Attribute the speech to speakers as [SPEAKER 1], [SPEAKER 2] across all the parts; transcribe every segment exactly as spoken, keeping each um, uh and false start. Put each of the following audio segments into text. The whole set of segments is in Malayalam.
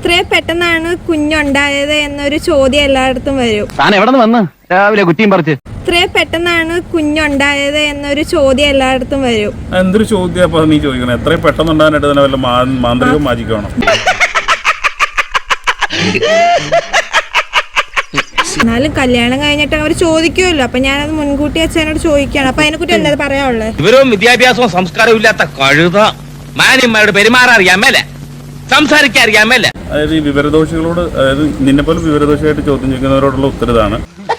[SPEAKER 1] ഇത്രയും പെട്ടെന്നാണ് കുഞ്ഞുണ്ടായത് എന്നൊരു ചോദ്യം എല്ലായിടത്തും വരും.
[SPEAKER 2] താൻ എവിടെ നിന്ന് വന്ന് രാവിലെ കുറ്റിയും പറിച്ച്?
[SPEAKER 1] ഇത്രയും പെട്ടെന്നാണ് കുഞ്ഞുണ്ടായത് എന്നൊരു ചോദ്യം എല്ലായിടത്തും വരും.
[SPEAKER 3] എന്തൊരു ചോദ്യം അപ്പൊ നീ ചോദിക്കണം? എത്രയും പെട്ടെന്ന് ഉണ്ടാകാനായിട്ട് തന്നെ വല്ല മാന്ത്രികവും മാജിക്കാണോ?
[SPEAKER 1] എന്നാലും കല്യാണം കഴിഞ്ഞിട്ട് അവർ ചോദിക്കുമല്ലോ, അപ്പൊ ഞാനത് മുൻകൂട്ടി അച്ഛനോട് ചോദിക്കുകയാണ്. അപ്പൊ അതിനെക്കുറിച്ച് എന്താ പറയാനുള്ളത്?
[SPEAKER 4] ഇവരും വിദ്യാഭ്യാസവും സംസ്കാരവും ഇല്ലാത്ത കഴുത മാന്യന്മാരോട് പെരുമാറാൻ അറിയാമല്ല, സംസാരിക്കാൻ അറിയാമല്ല.
[SPEAKER 3] അതായത് ഈ വിവരദോഷികളോട്, അതായത് നിന്നെ പോലെ വിവരദോഷിയായിട്ട് ചോദ്യം ചോദിക്കുന്നവരോടുള്ള ഉത്തരവാണ്.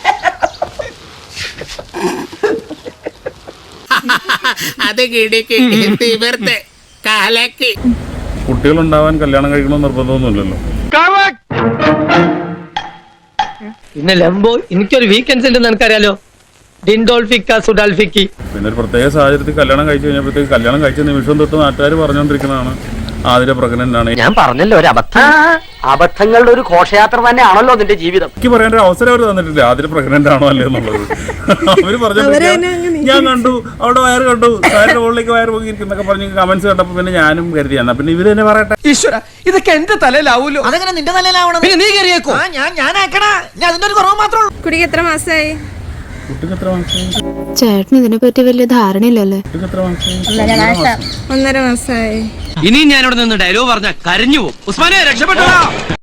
[SPEAKER 3] കുട്ടികളുണ്ടാവാൻ കല്യാണം കഴിക്കണമെന്ന് നിർബന്ധമൊന്നുമില്ലല്ലോ.
[SPEAKER 5] പിന്നെ ലംബോ എനിക്കൊരു വീക്കെൻഡ്സ് ഉണ്ടെന്ന് എനിക്കറിയാലോ. ഡിൻഡോൾഫിക്ക സുഡാൽഫിക്കി.
[SPEAKER 3] പിന്നെ ഒരു പ്രത്യേക സാഹചര്യത്തിൽ കല്യാണം കഴിച്ചു കഴിഞ്ഞപ്പോഴത്തേക്ക് കല്യാണം കഴിച്ച നിമിഷം തൊട്ട് നാട്ടുകാർ പറഞ്ഞുകൊണ്ടിരിക്കുന്നതാണ് ആതിര പ്രഗ്നന്റ് ആണ്.
[SPEAKER 2] ഞാൻ പറഞ്ഞല്ലോ ഒരു അബദ്ധം. അബദ്ധങ്ങളുടെ ഒരു ഘോഷയാത്ര തന്നെയാണല്ലോ നിന്റെ ജീവിതം.
[SPEAKER 3] എനിക്ക് പറയാൻ ഒരു അവസരം അവർ തന്നിട്ടില്ല ആതിര പ്രഗ്നന്റ് ആണോ അല്ലേ എന്നുള്ളത്. അവര് പറഞ്ഞു ഞാൻ കണ്ടു അവിടെ വയറ് കണ്ടു, വയറിന്റെ മുകളിലേക്ക് വയറ് പോയിരിക്കുന്നൊക്കെ പറഞ്ഞ് കമന്റ്സ് കണ്ടപ്പോ പിന്നെ ഞാനും കരുതി എന്നാ പിന്നെ ഇവര് തന്നെ പറയട്ടെ.
[SPEAKER 6] ഈശ്വര, ഇതൊക്കെ എന്റെ തലയിലാവൂലോ.
[SPEAKER 7] അതെങ്ങനെ നിന്റെ തലയിലാവണം?
[SPEAKER 6] പിന്നെ നീ കയറിയേക്കോ?
[SPEAKER 7] ഞാൻ ഞാൻ ആക്കണ ഞാൻ അതിന്റെ ഒരു കുറവ് മാത്രമേ ഉള്ളൂ.
[SPEAKER 1] കുട്ടിക്ക് എത്ര മാസമായി?
[SPEAKER 3] കുട്ടിക്ക് എത്ര മാസമായി?
[SPEAKER 8] ചേട്ടന് ഇതിനെ പറ്റി വലിയ ധാരണയില്ലല്ലേ?
[SPEAKER 3] കുട്ടിക്ക് എത്ര മാസമായി?
[SPEAKER 1] ഒന്നര മാസമായി.
[SPEAKER 4] ഇനി ഞാനിവിടെ നിന്ന് ഡയലോഗ് പറഞ്ഞ കരഞ്ഞു പോകും. ഉസ്മാനെ രക്ഷപ്പെട്ടോ.